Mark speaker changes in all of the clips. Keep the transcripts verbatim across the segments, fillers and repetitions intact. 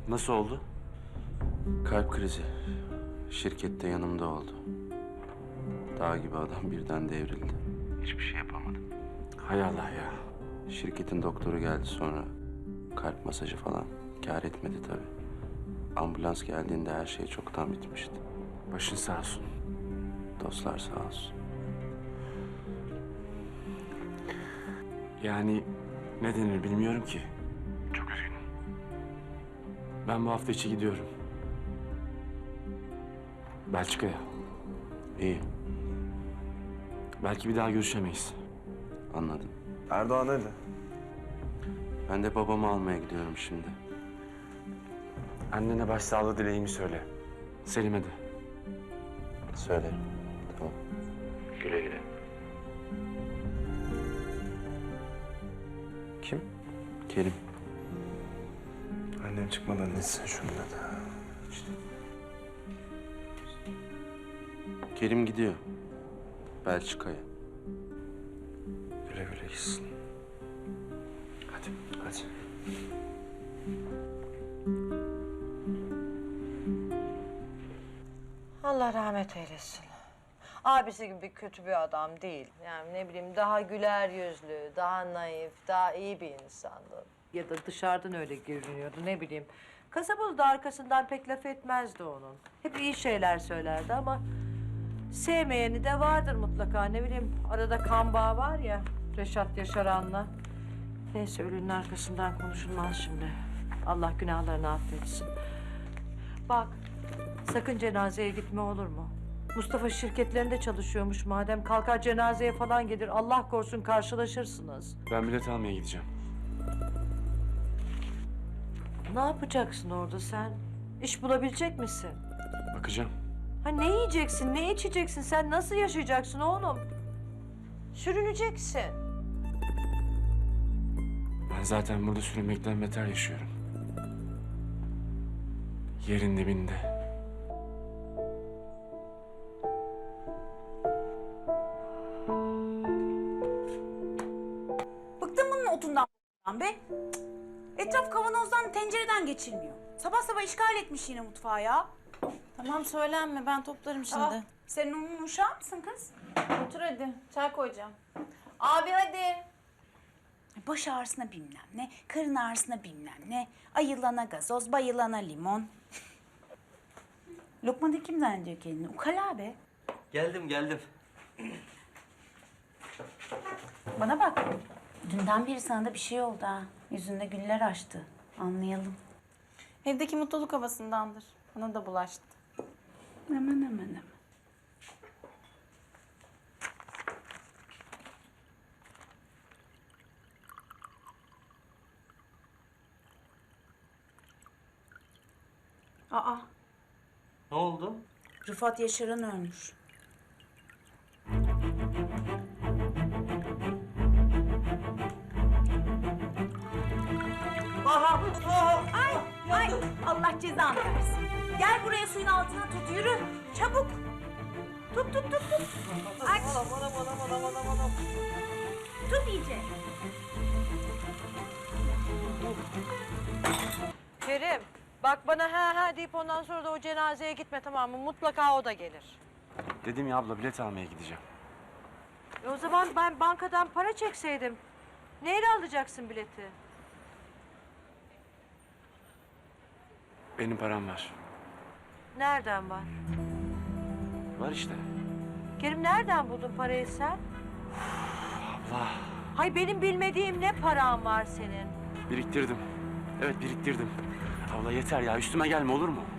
Speaker 1: Nasıl oldu?
Speaker 2: Kalp krizi. Şirkette yanımda oldu. Dağ gibi adam birden devrildi. Hiçbir şey yapamadım.
Speaker 1: Hay Allah ya.
Speaker 2: Şirketin doktoru geldi sonra. Kalp masajı falan. Kâr etmedi tabii. Ambulans geldiğinde her şey çoktan bitmişti.
Speaker 1: Başın sağ olsun.
Speaker 2: Dostlar sağ olsun.
Speaker 1: Yani ne denir bilmiyorum ki. Çok üzgünüm. Ben bu hafta içi gidiyorum. Belçika'ya.
Speaker 2: İyi,
Speaker 1: Belki bir daha görüşemeyiz.
Speaker 2: anladım.
Speaker 3: Erdoğan nerede?
Speaker 2: Ben de babamı almaya gidiyorum şimdi.
Speaker 1: Annene başsağlığı dileğimi söyle. Selim'e de.
Speaker 2: Söylerim. Tamam. Güle güle.
Speaker 3: Kim?
Speaker 2: Kerim.
Speaker 3: Annem çıkmadan nesin şunu da. İşte.
Speaker 2: Kerim gidiyor. Belçika'ya.
Speaker 3: Güle güle gitsin. Hadi, hadi.
Speaker 4: Allah rahmet eylesin. Abisi gibi kötü bir adam değil. Yani ne bileyim daha güler yüzlü, daha naif, daha iyi bir insandı. Ya da dışarıdan öyle görünüyordu ne bileyim. Kasabalı da arkasından pek laf etmezdi onun. Hep iyi şeyler söylerdi ama sevmeyeni de vardır mutlaka. Ne bileyim arada kan bağı var ya Reşat Yaşaran'la. Neyse ölünün arkasından konuşulmaz şimdi. Allah günahlarını affetsin. Bak sakın cenazeye gitme olur mu? Mustafa şirketlerinde çalışıyormuş madem. Kalkar cenazeye falan gelir. Allah korusun karşılaşırsınız.
Speaker 1: Ben bilet almaya gideceğim.
Speaker 4: Ne yapacaksın orada sen? İş bulabilecek misin?
Speaker 1: Bakacağım.
Speaker 4: Ha ne yiyeceksin, ne içeceksin? Sen nasıl yaşayacaksın oğlum? Sürüneceksin.
Speaker 1: Ben zaten burada sürünmekten beter yaşıyorum. Yerin dibinde.
Speaker 5: Bıktım bunun otundan be. Cık. Etraf kavanozdan, tencereden geçilmiyor. Sabah sabah işgal etmiş yine mutfağı ya.
Speaker 6: Tamam söylenme, ben toplarım şimdi.
Speaker 5: Aa, sen onun uşağı mısın kız?
Speaker 6: Otur hadi, çay koyacağım. Abi hadi.
Speaker 5: Baş ağrısına bilmem ne, karın ağrısına bilmem ne, ayılana gazoz, bayılana limon. Lokman kim zannediyor kendini? Ukala be.
Speaker 7: Geldim geldim.
Speaker 5: Bana bak. Dünden beri sana da bir şey oldu ha. Yüzünde güller açtı. Anlayalım.
Speaker 6: Evdeki mutluluk havasındandır. Bana da bulaştı.
Speaker 5: Aman aman aman. Aa,
Speaker 7: Ne oldu?
Speaker 5: Rıfat Yaşaran ölmüş. Ay, ay, Allah cezanı versin. Gel buraya suyun altına tut, yürü. Çabuk. Tut, tut, tut, tut. Aç. Tut iyice.
Speaker 4: Kerim, bak bana ha ha deyip ondan sonra da o cenazeye gitme tamam mı? Mutlaka o da gelir.
Speaker 1: Dedim ya abla bilet almaya gideceğim.
Speaker 4: E o zaman ben bankadan para çekseydim. Neyle alacaksın bileti?
Speaker 1: Benim param var.
Speaker 4: Nereden var?
Speaker 1: Var işte.
Speaker 4: Kerim nereden buldun parayı sen?
Speaker 1: Abla.
Speaker 4: Hay benim bilmediğim ne paran var senin?
Speaker 1: Biriktirdim. Evet biriktirdim. Abla yeter ya üstüme gelme olur mu?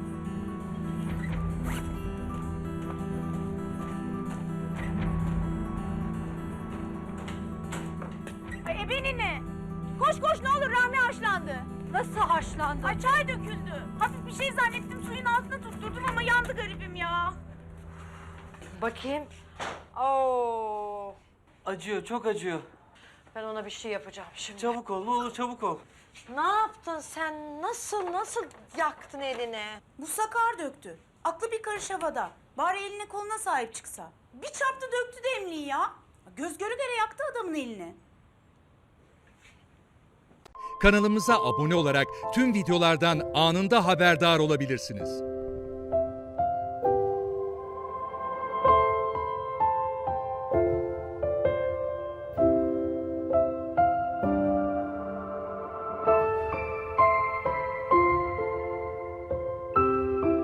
Speaker 5: Ay ebenini. Koş koş ne olur Rahmi haşlandı.
Speaker 4: Nasıl haşlandın?
Speaker 5: Ay çay döküldü. Hafif bir şey zannettim suyun altına tutturdum ama yandı garibim ya.
Speaker 4: Bakayım. Oo.
Speaker 7: Acıyor, çok acıyor.
Speaker 4: Ben ona bir şey yapacağım şimdi.
Speaker 7: Çabuk ol, ne olur çabuk ol.
Speaker 4: Ne yaptın sen? Nasıl, nasıl yaktın elini?
Speaker 5: Bu sakar döktü. Aklı bir karış havada. Bari eline koluna sahip çıksa. Bir çarptı döktü demliği ya. Göz göre göre yaktı adamın elini.
Speaker 8: kanalımıza abone olarak tüm videolardan anında haberdar olabilirsiniz.